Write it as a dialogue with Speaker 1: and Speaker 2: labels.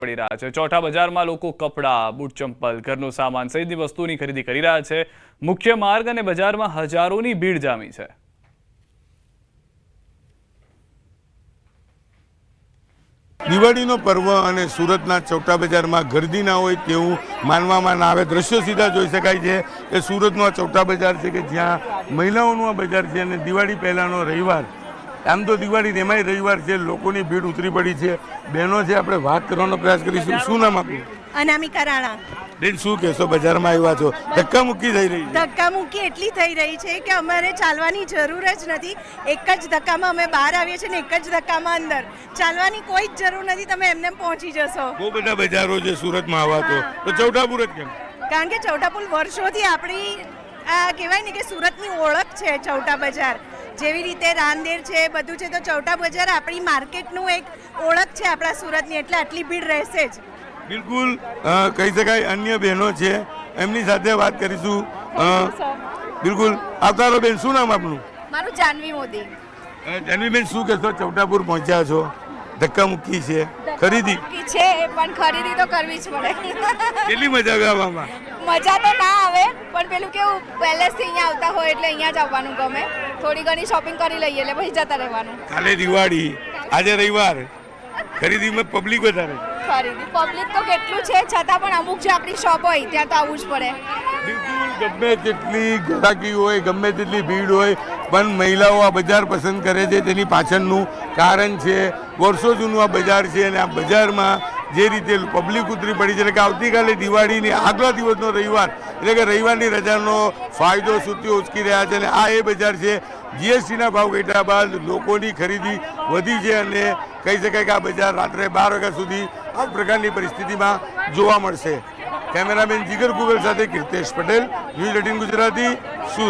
Speaker 1: પડી રહ્યા છે। ચોઠા બજારમાં લોકો કપડાં, બૂટ ચંપલ, ઘરનો સામાન સહિતની વસ્તુની ખરીદી કરી રહ્યા છે। મુખ્ય માર્ગ અને બજારમાં હજારોની ભીડ જામી છે।
Speaker 2: દિવાળીનો પર્વ અને સુરતના ચોટા બજારમાં ગર્દી ના હોય તેવું માનવામાં ના આવે। દ્રશ્યો સીધા જોઈ શકાય છે કે સુરતનો આ ચોટા બજાર છે કે જ્યાં મહિલાઓનું આ બજાર છે અને દિવાળી પહેલાંનો રવિવાર, આમ તો દિવાળી એમાંય રવિવાર છે, લોકોની ભીડ ઉતરી પડી છે। બહેનો છે, આપણે વાત કરવાનો પ્રયાસ કરીશું। શું નામ આપણું?
Speaker 3: અનામિકા રાણા।
Speaker 2: બેન, શું કહેશો? બજારમાં આવ્યા છો, ધક્કા મુક્કી થઈ રહી છે?
Speaker 3: ધક્કા મુક્કી એટલી થઈ રહી છે કે અમારે ચાલવાની જરૂર જ નથી। એક જ ધક્કામાં અમે બહાર આવીએ છીએ ને એક જ ધક્કામાં અંદર, ચાલવાની કોઈ જ જરૂર નથી, તમે એમને પહોંચી જશો।
Speaker 2: બહુ બધા બજારો છે સુરતમાં આવા તો ચોટાપુર જ કેમ?
Speaker 3: કારણ કે ચૌટાપુર વર્ષોથી આપણી આ કહેવાય ને કે સુરતની ઓળખ છે ચૌટા બજાર। જેવી રીતે રાંદેર છે, બધું છે, તો ચૌટા બજાર આપણી માર્કેટનું એક ઓળખ છે આપણા સુરતની, એટલે આટલી ભીડ રહેશે જ।
Speaker 2: બિલકુલ કહી શકાય। અન્ય બહેનો છે, એમની સાથે વાત કરીશું। બિલકુલ આવતારો બેન, શું નામ આપનું?
Speaker 4: મારું જાનવી મોદી।
Speaker 2: જાનવીબેન, શું કહેશો? ચોટાપુર પહોંચ્યા છો, ધક્કા મુક્કી છે, ખરીદી
Speaker 4: છે પણ ખરીદી તો કરવી જ પડે।
Speaker 2: કેટલી મજા આવે આવવામાં?
Speaker 4: મજા તો ના આવે, પણ પેલું કેવું પહેલેથી અહીંયા આવતા હોય એટલે અહીંયા જ આવવાનું ગમે। થોડી ઘણી શોપિંગ કરી લઈએ એટલે પછી જતા રહેવાનું।
Speaker 2: કાલે દિવાળી, આજે રવિવાર, ખરીદીમાં પબ્લિક વધારે।
Speaker 4: ખરીદી પબ્લિક તો કેટલું છે, છતાં પણ અમુક જે આપણી શોપ હોય ત્યાં તો આવવું જ પડે।
Speaker 2: બિલકુલ, ગમે તેટલી ગ્રાહકી હોય, ગમે તેટલી ભીડ હોય, પણ મહિલાઓ આ બજાર પસંદ કરે છે। તેની પાછળનું કારણ છે વર્ષો જૂનું આ બજાર છે અને આ બજારમાં જે રીતે પબ્લિક ઉતરી પડી છે, એટલે કે આવતીકાલે દિવાળીની આગલા દિવસનો રવિવાર, એટલે કે રવિવારની રજાનો ફાયદો સુધીઓ ઉચકી રહ્યા છે અને આ એ બજાર છે। જીએસટીના ભાવ ઘટ્યા બાદ લોકોની ખરીદી વધી છે અને કહી શકાય કે આ બજાર રાત્રે 12 વાગ્યા સુધી આ પ્રકારની પરિસ્થિતિમાં જોવા મળશે। કેમેરામેન જીગર ગુગલ સાથે કીર્તેશ પટેલ, ન્યૂઝ 18 ગુજરાતી, સુરત।